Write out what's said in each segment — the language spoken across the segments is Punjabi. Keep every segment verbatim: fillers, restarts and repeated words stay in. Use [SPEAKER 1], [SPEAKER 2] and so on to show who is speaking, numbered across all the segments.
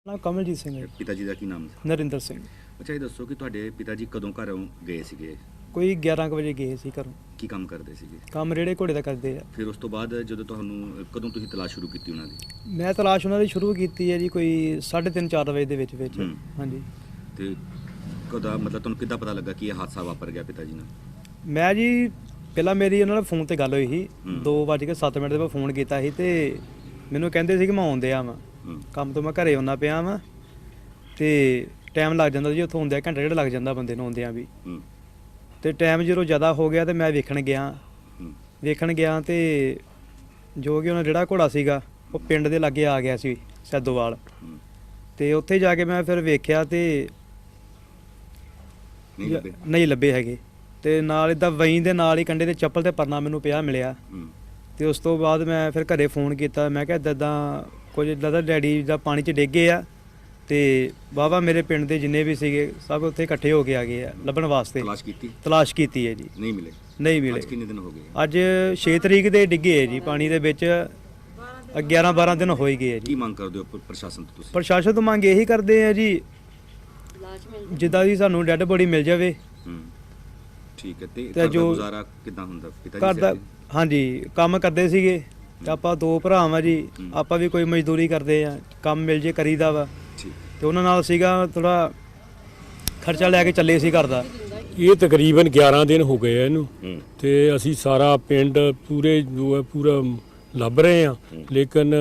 [SPEAKER 1] ਨਾ ਕਮਲਜੀਤ ਸਿੰਘ ਹੈ।
[SPEAKER 2] ਪਿਤਾ ਜੀ ਦਾ ਕੀ ਨਾਮ ਸੀ?
[SPEAKER 1] ਨਰਿੰਦਰ ਸਿੰਘ।
[SPEAKER 2] ਅੱਛਾ, ਇਹ ਦੱਸੋ ਕਿ ਤੁਹਾਡੇ ਪਿਤਾ ਜੀ ਕਦੋਂ ਘਰੋਂ ਗਏ ਸੀਗੇ?
[SPEAKER 1] ਕੋਈ ਗਿਆਰਾਂ ਕੁ ਵਜੇ ਗਏ ਸੀ ਘਰੋਂ।
[SPEAKER 2] ਕੀ ਕੰਮ ਕਰਦੇ ਸੀਗੇ?
[SPEAKER 1] ਕੰਮ ਰੇੜੇ ਘੋੜੇ ਦਾ ਕਰਦੇ ਆ।
[SPEAKER 2] ਫਿਰ ਉਸ ਤੋਂ ਬਾਅਦ ਜਦੋਂ ਤੁਹਾਨੂੰ ਕਦੋਂ ਤੁਸੀਂ ਤਲਾਸ਼ ਸ਼ੁਰੂ ਕੀਤੀ ਉਹਨਾਂ ਦੀ?
[SPEAKER 1] ਮੈਂ ਤਲਾਸ਼ ਉਹਨਾਂ ਦੀ ਸ਼ੁਰੂ ਕੀਤੀ ਹੈ ਜੀ ਕੋਈ ਸਾਢੇ ਤਿੰਨ ਚਾਰ ਵਜੇ ਦੇ ਵਿੱਚ ਵਿੱਚ।
[SPEAKER 2] ਹੂੰ।
[SPEAKER 1] ਹਾਂਜੀ।
[SPEAKER 2] ਤੇ ਕਦਾ ਮਤਲਬ ਤੁਹਾਨੂੰ ਕਿੱਦਾਂ ਪਤਾ ਲੱਗਾ ਕਿ ਇਹ ਹਾਦਸਾ ਵਾਪਰ ਗਿਆ ਪਿਤਾ ਜੀ ਨਾਲ?
[SPEAKER 1] ਮੈਂ ਜੀ ਪਹਿਲਾਂ ਮੇਰੀ ਉਹਨਾਂ ਨਾਲ ਫੋਨ ਤੇ ਗੱਲ ਹੋਈ ਸੀ।
[SPEAKER 2] ਹੂੰ।
[SPEAKER 1] ਦੋ ਵੱਜ ਕੇ ਸੱਤ ਮਿੰਟ ਦੇ ਬਾਅਦ ਫੋਨ ਕੀਤਾ ਸੀ ਤੇ ਮੈਨੂੰ ਕਹਿੰਦੇ ਸੀ ਕਿ ਮੈਂ ਆਉਂਦੇ ਆ ਵਾਂ
[SPEAKER 2] ਹੂੰ।
[SPEAKER 1] ਕੰਮ ਤੋਂ, ਮੈਂ ਘਰੇ ਆਉਣਾ ਪਿਆ ਵਾਂ ਤੇ ਟਾਈਮ ਲੱਗ ਜਾਂਦਾ ਜੀ ਉੱਥੋਂ ਆਉਂਦਿਆਂ ਘੰਟਾ ਡੇਢ ਲੱਗ ਜਾਂਦਾ ਬੰਦੇ ਨੂੰ ਆਉਂਦਿਆਂ ਵੀ।
[SPEAKER 2] ਹੂੰ।
[SPEAKER 1] ਤੇ ਟਾਈਮ ਜਦੋਂ ਜ਼ਿਆਦਾ ਹੋ ਗਿਆ ਤੇ ਮੈਂ ਵੇਖਣ ਗਿਆ
[SPEAKER 2] ਹੂੰ।
[SPEAKER 1] ਵੇਖਣ ਗਿਆ ਤੇ ਜੋ ਕਿ ਉਹਨਾਂ ਜਿਹੜਾ ਘੋੜਾ ਸੀਗਾ ਉਹ ਪਿੰਡ ਦੇ ਲਾਗੇ ਆ ਗਿਆ ਸੀ ਸੈਦੋਵਾਲ।
[SPEAKER 2] ਹੂੰ।
[SPEAKER 1] ਤੇ ਉੱਥੇ ਜਾ ਕੇ ਮੈਂ ਫਿਰ ਵੇਖਿਆ ਤੇ
[SPEAKER 2] ਨਹੀਂ ਲੱਭੇ?
[SPEAKER 1] ਨਹੀਂ ਲੱਭੇ ਹੈਗੇ। ਤੇ ਨਾਲ ਇੱਦਾਂ ਵਹੀਂ ਦੇ ਨਾਲ ਹੀ ਕੰਡੇ ਤੇ ਚੱਪਲ ਤੇ ਪਰਨਾ ਮੈਨੂੰ ਪਿਆ ਮਿਲਿਆ।
[SPEAKER 2] ਹੂੰ।
[SPEAKER 1] ਤੇ ਉਸ ਤੋਂ ਬਾਅਦ ਮੈਂ ਫਿਰ ਘਰੇ ਫੋਨ ਕੀਤਾ। ਮੈਂ ਕਿਹਾ ਇੱਦਾਂ ਇੱਦਾਂ ਕੁਝ ਇੱਦਾਂ ਦਾ ਡੈਡੀ ਦਾ ਪਾਣੀ 'ਚ ਡਿੱਗੇ ਆ ਤੇ ਵਾਹਵਾ ਮੇਰੇ ਪਿੰਡ ਦੇ ਜਿੰਨੇ ਵੀ ਸੀਗੇ ਸਭ ਉੱਥੇ ਇਕੱਠੇ ਹੋ ਕੇ ਆ ਗਏ ਆ ਲੱਭਣ ਵਾਸਤੇ।
[SPEAKER 2] ਤਲਾਸ਼ ਕੀਤੀ?
[SPEAKER 1] ਤਲਾਸ਼ ਕੀਤੀ ਹੈ ਜੀ।
[SPEAKER 2] ਨਹੀਂ ਮਿਲੇ?
[SPEAKER 1] ਨਹੀਂ ਮਿਲੇ।
[SPEAKER 2] ਅੱਜ ਕਿੰਨੇ ਦਿਨ ਹੋ ਗਏ?
[SPEAKER 1] ਅੱਜ ਛੇ ਤਰੀਕ ਦੇ ਡਿੱਗੇ ਹੈ ਜੀ ਪਾਣੀ ਦੇ ਵਿੱਚ। ਗਿਆਰਾਂ ਬਾਰਾਂ ਦਿਨ ਹੋ ਹੀ ਗਏ ਆ
[SPEAKER 2] ਕੀ
[SPEAKER 1] ਜੀ।
[SPEAKER 2] ਮੰਗ ਕਰਦੇ ਹੋ ਪ- ਪ੍ਰਸ਼ਾਸਨ ਤੋਂ ਤੁਸੀਂ?
[SPEAKER 1] ਪ੍ਰਸ਼ਾਸਨ ਤੋਂ ਮੰਗ ਇਹੀ ਕਰਦੇ ਆ ਜੀ ਜਿੱਦਾਂ ਦੀ ਸਾਨੂੰ ਡੈੱਡ ਬੋਡੀ ਮਿਲ ਜਾਵੇ।
[SPEAKER 2] ਹੂੰ। ਠੀਕ ਹੈ। ਤੇ
[SPEAKER 1] ਤੇ
[SPEAKER 2] ਘਰ ਦਾ
[SPEAKER 1] ਜੋ-
[SPEAKER 2] ਗੁਜ਼ਾਰਾ ਕਿੱਦਾਂ ਹੁੰਦਾ ਪਿਤਾ ਜੀ
[SPEAKER 1] ਘਰ ਦਾ
[SPEAKER 2] ਸਿਰ ਤੇ?
[SPEAKER 1] ਹਾਂਜੀ ਕੰਮ ਕਰਦੇ ਸੀਗੇ ਤੇ ਆਪਾਂ ਦੋ ਭਰਾ ਵਾਂ ਜੀ।
[SPEAKER 2] ਹੂੰ।
[SPEAKER 1] ਆਪਾਂ ਵੀ ਕੋਈ ਮਜ਼ਦੂਰੀ ਕਰਦੇ ਆ, ਕੰਮ ਮਿਲ ਜੇ ਕਰੀਦਾ ਵਾ।
[SPEAKER 2] ਠੀਕ।
[SPEAKER 1] ਤੇ ਉਹਨਾਂ ਨਾਲ ਸੀਗਾ ਥੋੜਾ ਖਰਚਾ ਲੈ ਕੇ ਚੱਲੇ ਸੀ ਘਰ ਦਾ।
[SPEAKER 3] ਇਹ ਤਕਰੀਬਨ ਗਿਆਰਾਂ ਦਿਨ ਹੋ ਗਏ ਆ ਇਹਨੂੰ
[SPEAKER 2] ਹੂੰ।
[SPEAKER 3] ਤੇ ਅਸੀਂ ਸਾਰਾ ਪਿੰਡ ਪੂਰੇ ਜੋ ਹੈ ਪੂਰਾ ਲੱਭ ਰਹੇ ਆ, ਲੇਕਿਨ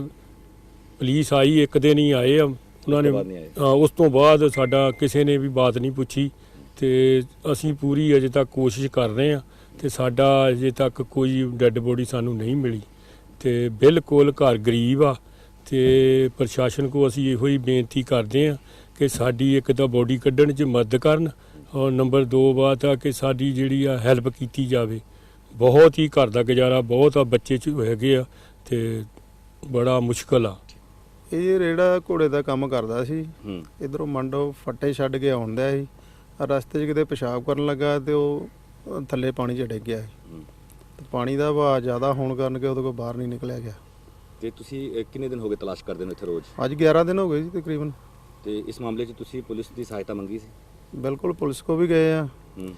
[SPEAKER 3] ਪੁਲਿਸ ਆਈ ਇੱਕ ਦਿਨ ਹੀ ਆਏ ਆ ਉਹਨਾਂ ਨੇ।
[SPEAKER 2] ਤੋਂ ਬਾਅਦ ਨਹੀਂ ਆਏ?
[SPEAKER 3] ਹਾਂ, ਉਸ ਤੋਂ ਬਾਅਦ ਸਾਡਾ ਕਿਸੇ ਨੇ ਵੀ ਬਾਤ ਨਹੀਂ ਪੁੱਛੀ ਤੇ ਅਸੀਂ ਪੂਰੀ ਅਜੇ ਤੱਕ ਕੋਸ਼ਿਸ਼ ਕਰ ਰਹੇ ਆ ਤੇ ਸਾਡਾ ਅਜੇ ਤੱਕ ਕੋਈ ਡੈੱਡ ਬੋਡੀ ਸਾਨੂੰ ਨਹੀਂ ਮਿਲੀ ਤੇ ਬਿਲਕੁਲ ਘਰ ਗਰੀਬ ਆ ਤੇ ਪ੍ਰਸ਼ਾਸਨ ਕੋ ਅਸੀਂ ਇਹੋ ਹੀ ਬੇਨਤੀ ਕਰਦੇ ਆ ਕਿ ਸਾਡੀ ਇੱਕ ਤਾਂ ਬੋਡੀ ਕੱਢਣ 'ਚ ਮਦਦ ਕਰਨ ਔਰ ਨੰਬਰ ਦੋ ਬਾਤ ਆ ਕਿ ਸਾਡੀ ਜਿਹੜੀ ਆ ਹੈਲਪ ਕੀਤੀ ਜਾਵੇ। ਬਹੁਤ ਹੀ ਘਰ ਦਾ ਗੁਜ਼ਾਰਾ ਬਹੁਤ ਆ, ਬੱਚੇ 'ਚ ਹੈਗੇ ਆ ਤੇ ਬੜਾ ਮੁਸ਼ਕਲ ਆ।
[SPEAKER 4] ਇਹ ਰੇੜਾ ਘੋੜੇ ਦਾ ਕੰਮ ਕਰਦਾ ਸੀ।
[SPEAKER 2] ਹੂੰ।
[SPEAKER 4] ਇਧਰੋਂ ਮੰਡੋ ਫੱਟੇ ਛੱਡ ਕੇ ਆਉਂਦਾ ਸੀ। ਰਸਤੇ 'ਚ ਕਿਤੇ ਪਿਸ਼ਾਬ ਕਰਨ ਲੱਗਾ ਤੇ ਉਹ ਥੱਲੇ ਪਾਣੀ 'ਚ ਡਿੱਗ ਗਿਆ ਸੀ।
[SPEAKER 2] ਹੂੰ।
[SPEAKER 4] ਤੇ ਪਾਣੀ ਦਾ ਵਹਾਅ ਜ਼ਿਆਦਾ ਹੋਣ ਕਾਰਨ ਕਿ ਉਹਦੇ ਕੋਲ ਬਾਹਰ ਨਹੀਂ ਨਿਕਲਿਆ ਗਿਆ।
[SPEAKER 2] ਤੇ ਤੁਸੀਂ ਅ, ਕਿੰਨੇ ਦਿਨ ਹੋ ਗਏ ਤਲਾਸ਼ ਕਰਦੇ ਨੂੰ ਇੱਥੇ ਰੋਜ਼?
[SPEAKER 4] ਅੱਜ ਗਿਆਰਾਂ ਦਿਨ ਹੋ ਗਏ ਜੀ ਤਕਰੀਬਨ।
[SPEAKER 2] ਤੇ ਇਸ ਮਾਮਲੇ 'ਚ ਤੁਸੀਂ ਪੁਲਿਸ ਦੀ ਸਹਾਇਤਾ ਮੰਗੀ ਸੀ?
[SPEAKER 4] ਬਿਲਕੁਲ ਪੁਲਿਸ ਕੋ ਵੀ ਗਏ ਆ
[SPEAKER 2] ਹੂੰ।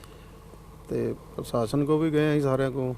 [SPEAKER 4] ਤੇ ਪ੍ਰਸ਼ਾਸਨ ਕੋ ਵੀ ਗਏ ਆ ਜੀ, ਸਾਰਿਆਂ ਕੋ।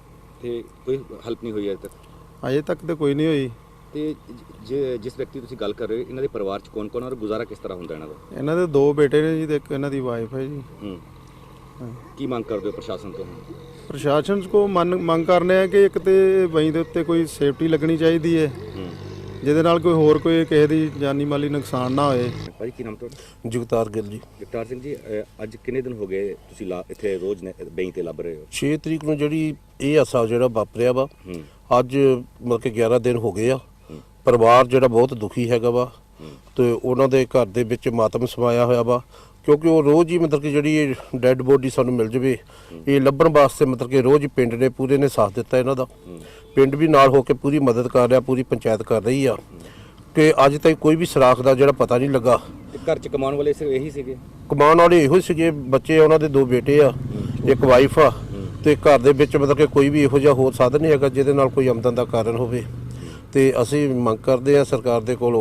[SPEAKER 2] ਤੇ ਕੋਈ ਹੈਲਪ ਨਹੀਂ ਹੋਈ ਅਜੇ ਤੱਕ?
[SPEAKER 4] ਅਜੇ ਤੱਕ ਤੇ ਕੋਈ ਨਹੀਂ ਹੋਈ।
[SPEAKER 2] ਤੇ ਜੇ ਜਿਸ ਵਿਅਕਤੀ ਤੁਸੀਂ ਗੱਲ ਕਰ ਰਹੇ ਹੋ ਇਹਨਾਂ ਦੇ ਪਰਿਵਾਰ 'ਚ ਕੌਣ ਕੌਣ ਔਰ ਗੁਜ਼ਾਰਾ ਕਿਸ ਤਰ੍ਹਾਂ ਹੁੰਦਾ ਇਹਨਾਂ ਦਾ?
[SPEAKER 4] ਇਹਨਾਂ ਦੇ ਦੋ ਬੇਟੇ ਨੇ ਜੀ ਤੇ ਇੱਕ ਇਹਨਾਂ ਦੀ ਵਾਈਫ ਹੈ ਜੀ।
[SPEAKER 2] ਹੂੰ।
[SPEAKER 4] ਹਾਂ।
[SPEAKER 2] ਕੀ ਮੰਗ ਕਰਦੇ ਹੋ ਪ੍ਰਸ਼ਾਸਨ ਤੋਂ?
[SPEAKER 4] ਪ੍ਰਸ਼ਾਸਨ ਕੋ ਮੰਨ ਮੰਗ ਕਰਨੇ ਆ ਕਿ ਇੱਕ ਤੇ ਵਹੀਂ ਦੇ ਉੱਤੇ ਕੋਈ ਸੇਫਟੀ ਲੱਗਣੀ ਚਾਹੀਦੀ ਹੈ
[SPEAKER 2] ਹੂੰ।
[SPEAKER 4] ਜਿਹਦੇ ਨਾਲ ਕੋਈ ਹੋਰ ਕੋਈ ਕਿਸੇ ਦੀ ਜਾਨੀ ਮਾਲੀ ਨੁਕਸਾਨ ਨਾ ਹੋਏ।
[SPEAKER 2] ਭਾਜੀ ਕੀ ਨਾਮ ਤੁਹਾਡਾ?
[SPEAKER 5] ਜਗਤਾਰ ਗਿੱਲ ਜੀ।
[SPEAKER 2] ਜਗਤਾਰ ਸਿੰਘ ਜੀ, ਅ, ਅੱਜ ਕਿੰਨੇ ਦਿਨ ਹੋ ਗਏ ਤੁਸੀਂ ਲਾ- ਇੱਥੇ ਰੋਜ਼ ਨੇ- ਬੈਂਕ ਤੇ ਲੱਭ ਰਹੇ ਹੋ?
[SPEAKER 5] ਛੇ ਤਰੀਕ ਨੂੰ ਜਿਹੜੀ ਇਹ ਹਾਦਸਾ ਜਿਹੜਾ ਵਾਪਰਿਆ ਵਾ,
[SPEAKER 2] ਹੂੰ।
[SPEAKER 5] ਅੱਜ ਮਤਲਬ ਕਿ ਗਿਆਰਾਂ ਦਿਨ ਹੋ ਗਏ ਆ।
[SPEAKER 2] ਹੂੰ।
[SPEAKER 5] ਪਰਿਵਾਰ ਜਿਹੜਾ ਬਹੁਤ ਦੁਖੀ ਹੈਗਾ ਵਾ
[SPEAKER 2] ਹੂੰ।
[SPEAKER 5] ਤੇ ਉਹਨਾਂ ਦੇ ਘਰ ਦੇ ਵਿੱਚ ਮਾਤਮ ਸਮਾਇਆ ਹੋਇਆ ਵਾ ਕਿਉਂਕਿ ਉਹ ਰੋਜ਼ ਹੀ ਮਤਲਬ ਕਿ ਜਿਹੜੀ ਡੈੱਡ ਬੋਡੀ ਸਾਨੂੰ ਮਿਲ ਜਵੇ ਇਹ ਲੱਭਣ ਵਾਸਤੇ ਮਤਲਬ ਕਿ ਰੋਜ਼ ਹੀ ਪਿੰਡ ਨੇ ਪੂਰੇ ਨੇ ਸਾਥ ਦਿੱਤਾ ਇਹਨਾਂ ਦਾ।
[SPEAKER 2] ਹੂੰ।
[SPEAKER 5] ਪਿੰਡ ਵੀ ਨਾਲ ਹੋ ਕੇ ਪੂਰੀ ਮਦਦ ਕਰ ਰਿਹਾ, ਪੂਰੀ ਪੰਚਾਇਤ ਕਰ ਰਹੀ ਆ ਕਿ ਅੱਜ ਤੱਕ ਕੋਈ ਵੀ ਸੁਰਾਖ ਦਾ ਜਿਹੜਾ ਪਤਾ ਨਹੀਂ ਲੱਗਾ।
[SPEAKER 2] ਤੇ ਘਰ 'ਚ ਕਮਾਉਣ ਵਾਲੇ ਸਿਰਫ ਇਹੀ ਸੀਗੇ?
[SPEAKER 5] ਕਮਾਉਣ ਵਾਲੇ ਇਹੋ ਹੀ ਸੀਗੇ, ਬੱਚੇ ਉਹਨਾਂ ਦੇ ਦੋ ਬੇਟੇ ਆ, ਇੱਕ ਵਾਈਫ ਆ ਤੇ ਘਰ ਦੇ ਵਿੱਚ ਮਤਲਬ ਕਿ ਕੋਈ ਵੀ ਇਹੋ ਜਿਹਾ ਹੋਰ ਸਾਧਨ ਨਹੀਂ ਹੈਗਾ ਜਿਹਦੇ ਨਾਲ ਕੋਈ ਆਮਦਨ ਦਾ ਕਾਰਨ ਹੋਵੇ। ਤੇ ਅਸੀਂ ਮੰਗ ਕਰਦੇ ਆ ਸਰਕਾਰ ਦੇ ਕੋਲੋਂ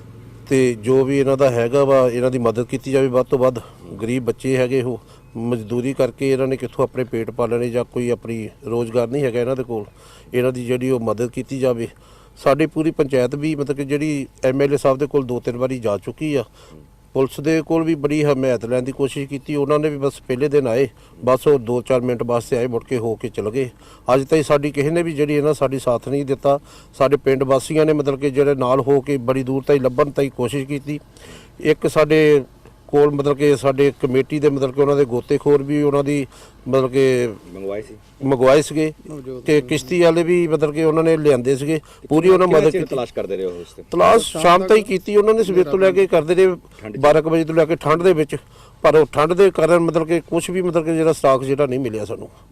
[SPEAKER 5] ਤੇ ਜੋ ਵੀ ਇਹਨਾਂ ਦਾ ਹੈਗਾ ਵਾ ਇਹਨਾਂ ਦੀ ਮਦਦ ਕੀਤੀ ਜਾਵੇ ਵੱਧ ਤੋਂ ਵੱਧ। ਗਰੀਬ ਬੱਚੇ ਹੈਗੇ ਉਹ ਮਜ਼ਦੂਰੀ ਕਰਕੇ ਇਹਨਾਂ ਨੇ ਕਿੱਥੋਂ ਆਪਣੇ ਪੇਟ ਪਾਲਣੇ ਜਾਂ ਕੋਈ ਆਪਣੀ ਰੋਜ਼ਗਾਰ ਨਹੀਂ ਹੈਗਾ ਇਹਨਾਂ ਦੇ ਕੋਲ। ਇਹਨਾਂ ਦੀ ਜਿਹੜੀ ਉਹ ਮਦਦ ਕੀਤੀ ਜਾਵੇ। ਸਾਡੀ ਪੂਰੀ ਪੰਚਾਇਤ ਵੀ ਮਤਲਬ ਕਿ ਜਿਹੜੀ ਐਮ ਐਲ ਏ ਸਾਹਿਬ ਦੇ ਕੋਲ ਦੋ ਤਿੰਨ ਵਾਰੀ ਜਾ ਚੁੱਕੀ ਆ। ਪੁਲਿਸ ਦੇ ਕੋਲ ਵੀ ਬੜੀ ਹਮਾਇਤ ਲੈਣ ਦੀ ਕੋਸ਼ਿਸ਼ ਕੀਤੀ, ਉਹਨਾਂ ਨੇ ਵੀ ਬਸ ਪਹਿਲੇ ਦਿਨ ਆਏ, ਬਸ ਉਹ ਦੋ ਚਾਰ ਮਿੰਟ ਵਾਸਤੇ ਆਏ, ਮੁੜ ਕੇ ਹੋ ਕੇ ਚਲੇ ਗਏ। ਅੱਜ ਤਾਈਂ ਸਾਡੀ ਕਿਸੇ ਨੇ ਵੀ ਜਿਹੜੀ ਇਹਨਾਂ ਸਾਡੀ ਸਾਥ ਨਹੀਂ ਦਿੱਤਾ। ਸਾਡੇ ਪਿੰਡ ਵਾਸੀਆਂ ਨੇ ਮਤਲਬ ਕਿ ਜਿਹੜੇ ਨਾਲ ਹੋ ਕੇ ਬੜੀ ਦੂਰ ਤਾਈਂ ਲੱਭਣ ਤਾਈਂ ਕੋਸ਼ਿਸ਼ ਕੀਤੀ। ਇੱਕ ਸਾਡੇ ਕੋਲ ਮਤਲਬ ਕਿ ਸਾਡੇ ਕਮੇਟੀ ਦੇ ਮਤਲਬ ਕਿ ਉਹਨਾਂ ਦੇ ਗੋਤੇਖੋਰ ਵੀ ਉਹਨਾਂ ਦੀ ਮਤਲਬ ਕਿ
[SPEAKER 2] ਮੰਗਵਾਏ ਸੀ?
[SPEAKER 5] ਮੰਗਵਾਏ ਸੀਗੇ ਤੇ ਕਿਸ਼ਤੀ ਵਾਲੇ ਵੀ ਮਤਲਬ ਕਿ ਉਹਨਾਂ ਨੇ ਲਿਆਂਦੇ ਸੀਗੇ, ਪੂਰੀ ਉਹਨਾਂ ਮਦਦ ਕੀਤੀ।
[SPEAKER 2] ਤਲਾਸ਼ ਕਰਦੇ ਰਹੇ ਹੋ ਉਸ ਤੇ?
[SPEAKER 5] ਤਲਾਸ਼ ਸ਼ਾਮ ਤਾਈਂ ਕੀਤੀ ਉਹਨਾਂ ਨੇ, ਸਵੇਰ ਤੋਂ ਲੈ ਕੇ ਕਰਦੇ ਰਹੇ ਬਾਰਾਂ ਕੁ ਵਜੇ ਤੋਂ ਲੈ ਕੇ ਠੰਡ ਦੇ ਵਿੱਚ। ਪਰ ਉਹ ਠੰਡ ਦੇ ਕਾਰਨ ਮਤਲਬ ਕਿ ਕੁਝ ਵੀ ਮਤਲਬ ਕਿ ਜਿਹੜਾ ਸਟਾਕ ਜਿਹੜਾ ਨਹੀਂ ਮਿਲਿਆ ਸਾਨੂੰ।